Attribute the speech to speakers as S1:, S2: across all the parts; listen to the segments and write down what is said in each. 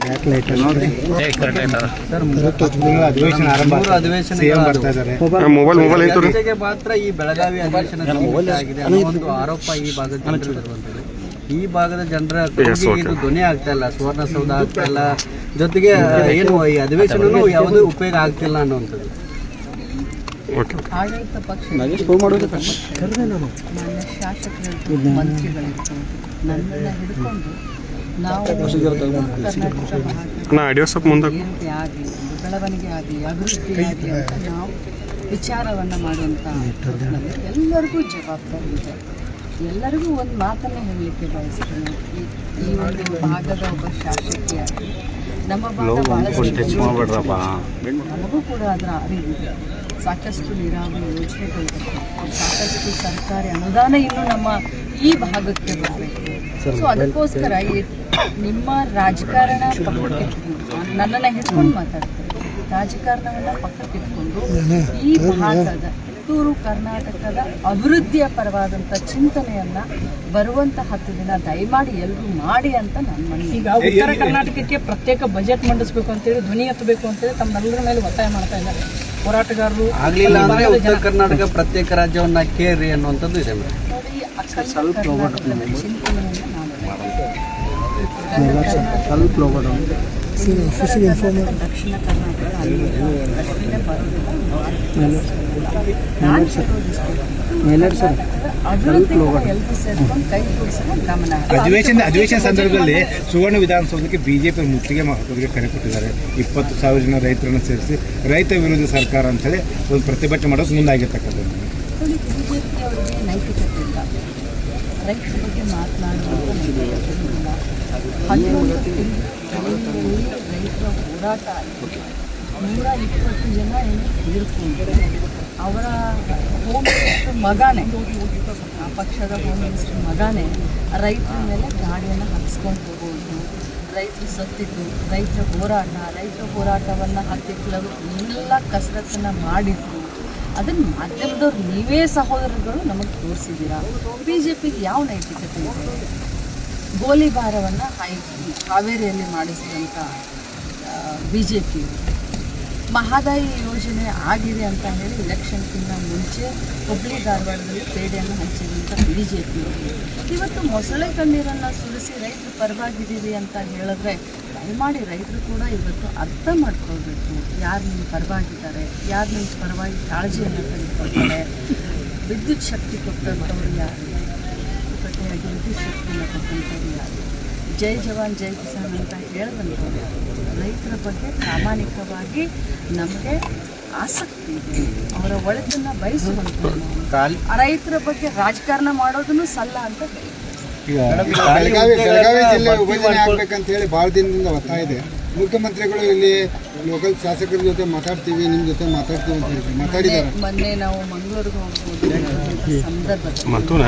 S1: ಜೊತೆಗೆ ಮಾತ್ರ ಈ ಬೆಳಗಾವಿ ಅಧಿವೇಶನ ಆಗಿದೆ ಅನ್ನೋ ಒಂದು ಆರೋಪ ಈ ಭಾಗದ ಜನರು ಇರುವಂಥದ್ದು. ಈ ಭಾಗದ ಜನರ ಇದು ಧ್ವನಿ ಆಗ್ತಾ ಇಲ್ಲ, ಸುವರ್ಣಸೌಧ ಆಗ್ತಾ ಇಲ್ಲ, ಜೊತೆಗೆ ಏನು ಈ ಅಧಿವೇಶನೂ ಯಾವುದೇ ಉಪಯೋಗ ಆಗ್ತಿಲ್ಲ ಅನ್ನುವಂಥದ್ದು.
S2: ಆಡಳಿತ ಪಕ್ಷ ಶಾಸಕರು ಮಂತ್ರಿಗಳಿರ್ಬೋದು ನನ್ನನ್ನು ಹಿಡ್ಕೊಂಡು ನಾವು ಏರಿಕೆ ಆಗಲಿ, ಬೆಳವಣಿಗೆ ಆಗಲಿ, ಅಭಿವೃದ್ಧಿ ಆಗಲಿ ಅಂತ ನಾವು ವಿಚಾರವನ್ನು ಮಾಡುವಂಥ ಎಲ್ಲರಿಗೂ ಜವಾಬ್ದಾರಿ ಇದೆ. ಎಲ್ಲರಿಗೂ ಒಂದು ಮಾತನ್ನೇ ಹೇಳಲಿಕ್ಕೆ ಬಯಸ್ತೇನೆ. ಈ ಒಂದು ಭಾಗದ ಒಬ್ಬ ಶಾಸಕಿಯಾಗಿ ನಮ್ಮ ಭಾಗ ಭಾಳಷ್ಟು ನಮಗೂ ಕೂಡ ಅದರ ಅರಿವಿದೆ. ಸಾಕಷ್ಟು ನೀರಾವರಿ ಯೋಜನೆಗಳಿದೆ, ಸಾಕಷ್ಟು ಸರ್ಕಾರಿ ಅನುದಾನ ಇನ್ನೂ ನಮ್ಮ ಈ ಭಾಗಕ್ಕೆ ಬರಬೇಕು. ಸೊ ಅದಕ್ಕೋಸ್ಕರ ನಿಮ್ಮ ರಾಜಕಾರಣ ಪಕ್ಕಕ್ಕಿಟ್ಕೊಂಡು ನನ್ನನ್ನು ಹಿಡ್ಕೊಂಡು ಮಾತಾಡ್ತಾರೆ. ರಾಜಕಾರಣವನ್ನು ಪಕ್ಕಕ್ಕಿಟ್ಕೊಂಡು ಈ ಭಾಗದ ಕಿತ್ತೂರು ಕರ್ನಾಟಕದ ಅಭಿವೃದ್ಧಿಯ ಪರವಾದಂಥ ಚಿಂತನೆಯನ್ನು ಬರುವಂಥ 10 ದಿನ ದಯಮಾಡಿ ಎಲ್ಲರೂ ಮಾಡಿ ಅಂತ ನನ್ನ ಮನವಿ.
S3: ಈಗ ಉತ್ತರ ಕರ್ನಾಟಕಕ್ಕೆ ಪ್ರತ್ಯೇಕ ಬಜೆಟ್ ಮಂಡಿಸಬೇಕು ಅಂತೇಳಿ ಧ್ವನಿ ಎತ್ತಬೇಕು ಅಂತೇಳಿ ತಮ್ಮೆಲ್ಲರ ಮೇಲೆ ಒತ್ತಾಯ ಮಾಡ್ತಾ ಇದ್ದಾರೆ ಹೋರಾಟಗಾರರು.
S1: ಆಗಲಿಲ್ಲ ಅಂದರೆ ಉತ್ತರ ಕರ್ನಾಟಕ ಪ್ರತ್ಯೇಕ ರಾಜ್ಯವನ್ನ ಕೇರಿ ಅನ್ನುವಂಥದ್ದು ಇದೆ.
S2: ನೋಡಿ, ಚಿಂತನೆಯನ್ನು ದಕ್ಷಿಣ ಕರ್ನಾಟಕ
S4: ಅಧಿವೇಶನ ಸಂದರ್ಭದಲ್ಲಿ ಸುವರ್ಣ ವಿಧಾನಸೌಧಕ್ಕೆ ಬಿಜೆಪಿ ಮುತ್ತಿಗೆ ಹಾಕೋದಕ್ಕೆ ಕರೆ ಕೊಟ್ಟಿದ್ದಾರೆ. 20,000 ಜನ ರೈತರನ್ನು ಸೇರಿಸಿ ರೈತ ವಿರೋಧಿ ಸರ್ಕಾರ ಅಂತೇಳಿ ಒಂದು ಪ್ರತಿಭಟನೆ ಮಾಡೋದು ಮುಂದಾಗಿರ್ತಕ್ಕಂಥದ್ದು.
S2: ಬಿಜೆಪಿ ಅವರಿಗೆ ನೈತಿಕತೆ ಇಲ್ಲ, ರೈತರ ಬಗ್ಗೆ ಮಾತನಾಡುವ ನೈತಿಕತೆ ಇಲ್ಲ. 11 ತಿಂಗಳಲ್ಲಿ ರೈತರ ಹೋರಾಟ ಆಯಿತು. 120 ಜನ ಏನು ತೀರ್ಕೊಂಡು ಅವರ ಹೋಮ್ ಮಿನಿಸ್ಟರ್ ಮಗನೇ, ಆ ಪಕ್ಷದ ಹೋಮ್ ಮಿನಿಸ್ಟರ್ ಮಗನೇ ರೈತರ ಮೇಲೆ ಗಾಡಿಯನ್ನು ಹತ್ತಿಸ್ಕೊಂಡು ಹೋಗೋದು, ರೈತರು ಸತ್ತಿದ್ದು, ರೈತರ ಹೋರಾಟವನ್ನು ಹತ್ತಿಕ್ಕಲು ಎಲ್ಲ ಕಸರತ್ತನ್ನು ಮಾಡಿದ್ರು. ಅದನ್ನು ಮಾಧ್ಯಮದವ್ರು ನೀವೇ ಸಹೋದರಗಳು ನಮಗೆ ತೋರಿಸಿದ್ದೀರಾ. BJPಗೆ ಯಾವ ನೈತಿಕತೆ ಇದೆ? ಗೋಲಿಬಾರವನ್ನು ಹಾವೇರಿಯಲ್ಲಿ ಮಾಡಿಸಿದಂಥ BJP ಮಹದಾಯಿ ಯೋಜನೆ ಆಗಿದೆ ಅಂತ ಹೇಳಿ ಎಲೆಕ್ಷನ್ಗಿಂತ ಮುಂಚೆ ಹುಬ್ಬಳ್ಳಿ ಧಾರವಾಡದಲ್ಲಿ ಪೇಡೆಯನ್ನು ಹಂಚಿದಂಥ BJP ಇವತ್ತು ಮೊಸಳೆ ಕಣ್ಣೀರನ್ನು ಸುರಿಸಿ ರೈತರು ಪರವಾಗಿದ್ದೀವಿ ಅಂತ ಹೇಳಿದ್ರೆ ದಯಮಾಡಿ ರೈತರು ಕೂಡ ಇವತ್ತು ಅರ್ಥ ಮಾಡ್ಕೊಳ್ಬೇಕು. ಯಾರು ನಿಮ್ಮ ಪರವಾಗಿದ್ದಾರೆ, ಯಾರು ನಿಮ್ಮ ಪರವಾಗಿ ಕಾಳಜಿಯನ್ನು ತೆಗೆದುಕೊಳ್ತಾರೆ. ವಿದ್ಯುತ್ ಶಕ್ತಿ ಕೊಟ್ಟಂಥವ್ರು ಯಾರು, ಕಟ್ಟೆಯಾಗಿ ವಿದ್ಯುತ್ ಶಕ್ತಿಯನ್ನು ಕೊಟ್ಟಂಥವ್ರು ಯಾರು, ಜೈ ಜವಾನ್ ಜೈ ಕಿಸಾನ್ ಅಂತ ಹೇಳಿದಂಥವ್ರು ಯಾರು. ರೈತರ ಬಗ್ಗೆ ಪ್ರಾಮಾಣಿಕವಾಗಿ ನಮಗೆ ಆಸಕ್ತಿ ಇದೆ, ಅವರ ಒಳಿತನ್ನು ಬಯಸುವಂಥ ರೈತರ ಬಗ್ಗೆ ರಾಜಕಾರಣ ಮಾಡೋದನ್ನು ಸಲ್ಲ ಅಂತ ಹೇಳಿ.
S4: ಬೆಳಗಾವಿ ಜಿಲ್ಲೆ ವಿಭಜನೆ ಆಗ್ಬೇಕಂತ ಹೇಳಿ ಭಾಳ ದಿನದಿಂದ ಒತ್ತಾಯ ಇದೆ. ಮುಖ್ಯಮಂತ್ರಿಗಳು ಇಲ್ಲಿ ಲೋಕಲ್ ಶಾಸಕರ ಜೊತೆ ಮಾತಾಡ್ತೀವಿ, ನಿಮ್ಮ ಜೊತೆ ಮಾತಾಡ್ತೀವಿ ಅಂತ ಹೇಳಿ ಮಾತಾಡಿದ್ದಾರೆ.
S2: ಮೊನ್ನೆ ನಾವು ಮಂಗಳೂರಿಗೆ ಹೋಗ್ಬೋದು ಸಂದರ್ಭದಲ್ಲಿ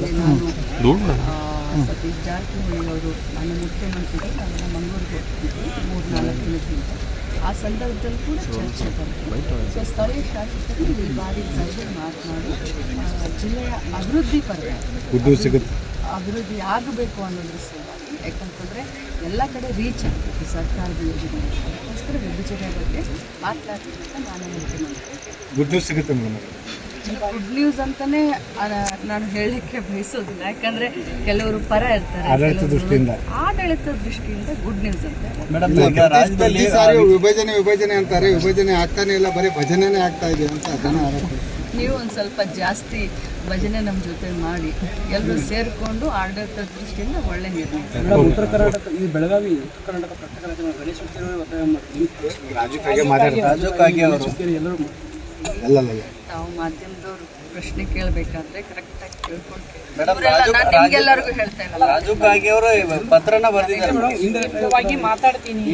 S2: ಸತೀಶ್ ಜಾರಕಿಹೊಳಿ ಅವರು ನನ್ನ ಮುಖ್ಯಮಂತ್ರಿಗಳು ನಾವೆಲ್ಲ ಮಂಗಳೂರಿಗೆ ಹೋಗ್ತಿದ್ವಿ 3-4 ದಿನಕ್ಕಿಂತ. ಆ ಸಂದರ್ಭದಲ್ಲಿ ಕೂಡ ಚರ್ಚೆ ಬಂತು. ಸೊ ಸ್ಥಳೀಯ ಶಾಸಕರು ಈ ಬಾರಿ ಕರೆದು ಮಾತನಾಡಿ ಜಿಲ್ಲೆಯ ಅಭಿವೃದ್ಧಿ ಪರವಾಗಿ ಅಭಿವೃದ್ಧಿ ಆಗಬೇಕು ಅನ್ನೋದ್ರ ಸಲುವಾಗಿ, ಯಾಕಂತಂದರೆ ಎಲ್ಲ ಕಡೆ ರೀಚ್ ಆಗ್ತದೆ ಸರ್ಕಾರದ ಯೋಜನೆ. ಅದಕ್ಕೋಸ್ಕರ ವಿಭಜನೆ ಬಗ್ಗೆ ಮಾತನಾಡ್ತೀನಿ ಅಂತ ನಾನು ಮುಖ್ಯಮಂತ್ರಿ.
S4: ಗುಡ್ ನ್ಯೂಸ್ ಸಿಗುತ್ತೆ ಮೇಡಮ್.
S2: ಗುಡ್ ನ್ಯೂಸ್ ಅಂತಲೇ ನಾನು ಹೇಳಲಿಕ್ಕೆ ಬಯಸೋದಿಲ್ಲ, ಯಾಕಂದರೆ ಕೆಲವರು ಪರ ಇರ್ತಾರೆ. ಆಡಳಿತದ ದೃಷ್ಟಿಯಿಂದ ಗುಡ್ ನ್ಯೂಸ್ ಅಂತ.
S4: ವಿಭಜನೆ ಅಂತಾರೆ, ವಿಭಜನೆ ಆಗ್ತಾನೆ ಇಲ್ಲ, ಬರೀ ಭಜನೆ ಆಗ್ತಾ ಇದೆ ಅಂತ ಜನ ಆರೋಪ.
S2: ನೀವು ಒಂದು ಸ್ವಲ್ಪ ಜಾಸ್ತಿ ಭಜನೆ ನಮ್ಮ ಜೊತೆ ಮಾಡಿ ಎಲ್ಲರೂ ಸೇರಿಕೊಂಡು ಆಡಳಿತದ ದೃಷ್ಟಿಯಿಂದ ಒಳ್ಳೆ ನಿರ್ಣಯ.
S3: ಉತ್ತರ ಕರ್ನಾಟಕ ಈ ಬೆಳಗಾವಿ ಉತ್ತರ ಕರ್ನಾಟಕ ಪ್ರತ್ಯೇಕ ಗಣೇಶ ಒತ್ತಾಯ
S2: ತಾವು ಮಾಧ್ಯಮದವರು ಪ್ರಶ್ನೆ ಕೇಳಬೇಕಾದ್ರೆ ಕರೆಕ್ಟಾಗಿ ಕೇಳ್ಕೊಂಡು ನಿಮ್ಗೆಲ್ಲರಿಗೂ ಹೇಳ್ತಾ ಇಲ್ಲ.
S1: ರಾಜು ಕಾಗೆ ಅವರು ಪತ್ರನ
S3: ಬರೆದಿದ್ದಾರೆ, ಮಾತಾಡ್ತೀನಿ.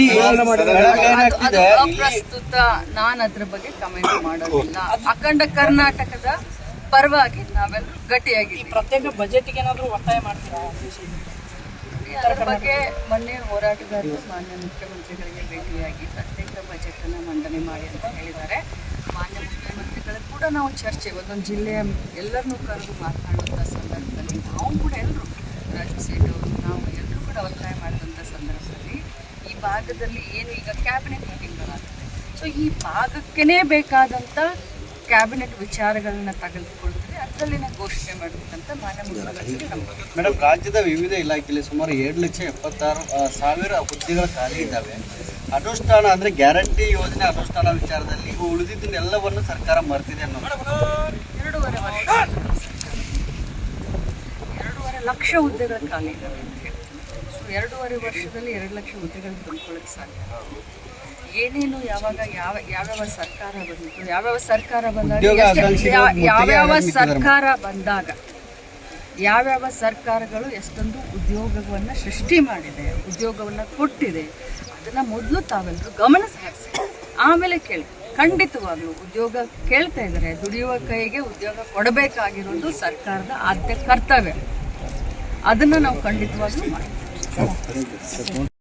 S2: ಪ್ರಸ್ತುತ ನಾನು ಅದ್ರ ಬಗ್ಗೆ ಕಮೆಂಟ್ ಮಾಡೋದಿಲ್ಲ. ಅಖಂಡ ಕರ್ನಾಟಕದ ಪರವಾಗಿ ನಾವೆಲ್ಲರೂ ಗಟ್ಟಿಯಾಗಿ
S3: ಪ್ರತ್ಯೇಕ ಬಜೆಟ್ಗೆ ಏನಾದರೂ ಒತ್ತಾಯ ಮಾಡ್ತೀರಾ?
S2: ಅದರ ಬಗ್ಗೆ ಮೊನ್ನೆ ಹೋರಾಟಗಾರರು ಮಾನ್ಯ ಮುಖ್ಯಮಂತ್ರಿಗಳಿಗೆ ಭೇಟಿಯಾಗಿ ಪ್ರತ್ಯೇಕ ಬಜೆಟನ್ನು ಮಂಡನೆ ಮಾಡಿ ಅಂತ ಹೇಳಿದ್ದಾರೆ. ಮಾನ್ಯ ಮುಖ್ಯಮಂತ್ರಿಗಳು ಕೂಡ ನಾವು ಚರ್ಚೆ ಒಂದೊಂದು ಜಿಲ್ಲೆಯ ಎಲ್ಲರನ್ನೂ ಕರೆದು ಮಾತನಾಡುವಂಥ ಸಂದರ್ಭದಲ್ಲಿ ನಾವು ಕೂಡ ಎಲ್ಲರೂ ರಾಜು ಸೇಠ್ ಅವರು ನಾವು ಎಲ್ಲರೂ ಕೂಡ ಒತ್ತಾಯ ಮಾಡಿದಂಥ ಸಂದರ್ಭದಲ್ಲಿ ಈ ಭಾಗದಲ್ಲಿ ಏನು ಈಗ ಕ್ಯಾಬಿನೆಟ್ ಮೀಟಿಂಗ್ಗಳಾಗುತ್ತೆ, ಸೊ ಈ ಭಾಗಕ್ಕೇ ಬೇಕಾದಂಥ ಕ್ಯಾಬಿನೆಟ್ ವಿಚಾರಗಳನ್ನ ತೆಗೆದುಕೊಳ್ತಾರೆ, ಅದರಲ್ಲಿನ ಘೋಷಣೆ ಮಾಡಬೇಕಂತ ಮಾನ್ಯ ಮುಖ್ಯಮಂತ್ರಿ ನಮಗೆ.
S1: ಮೇಡಮ್, ರಾಜ್ಯದ ವಿವಿಧ ಇಲಾಖೆಯಲ್ಲಿ ಸುಮಾರು 7,76,000 ಹುದ್ದೆಗಳು ಖಾಲಿ ಇದ್ದಾವೆ. ಅನುಷ್ಠಾನ ಅಂದರೆ ಗ್ಯಾರಂಟಿ ಯೋಜನೆ ಅನುಷ್ಠಾನ ವಿಚಾರದಲ್ಲಿ ಉಳಿದಿದ್ದನ್ನೆಲ್ಲವನ್ನು ಸರ್ಕಾರ ಮರ್ತಿದೆ ಅನ್ನೋದು.
S2: 2.5 ವರ್ಷ 2.5 ಲಕ್ಷ ಹುದ್ದೆಗಳು ಖಾಲಿ ಇದ್ದಾವೆ ಅಂತ ಹೇಳ್ತೀನಿ. ಸೊ 2.5 ವರ್ಷದಲ್ಲಿ 2 ಲಕ್ಷ ಹುದ್ದೆಗಳು ತುಂಬಿಕೊಳ್ಳಕ್ಕೆ ಸಾಧ್ಯ. ಏನೇನು ಯಾವಾಗ ಯಾವ್ಯಾವ ಸರ್ಕಾರ ಬಂದಿತ್ತು, ಯಾವ್ಯಾವ ಸರ್ಕಾರ ಬಂದಾಗ ಯಾವ್ಯಾವ ಸರ್ಕಾರಗಳು ಎಷ್ಟೊಂದು ಉದ್ಯೋಗವನ್ನು ಸೃಷ್ಟಿ ಮಾಡಿದೆ, ಉದ್ಯೋಗವನ್ನು ಕೊಟ್ಟಿದೆ, ಅದನ್ನು ಮೊದಲು ತಾವೆಲ್ಲರೂ ಗಮನ ಹರಿಸಿ ಆಮೇಲೆ ಕೇಳಿ. ಖಂಡಿತವಾಗ್ಲೂ ಉದ್ಯೋಗ ಕೇಳ್ತಾ ಇದ್ದಾರೆ, ದುಡಿಯುವ ಕೈಗೆ ಉದ್ಯೋಗ ಕೊಡಬೇಕಾಗಿರೋದು ಸರ್ಕಾರದ ಆದ್ಯ ಕರ್ತವ್ಯ. ಅದನ್ನು ನಾವು ಖಂಡಿತವಾಗ್ಲೂ ಮಾಡ್ತೀವಿ.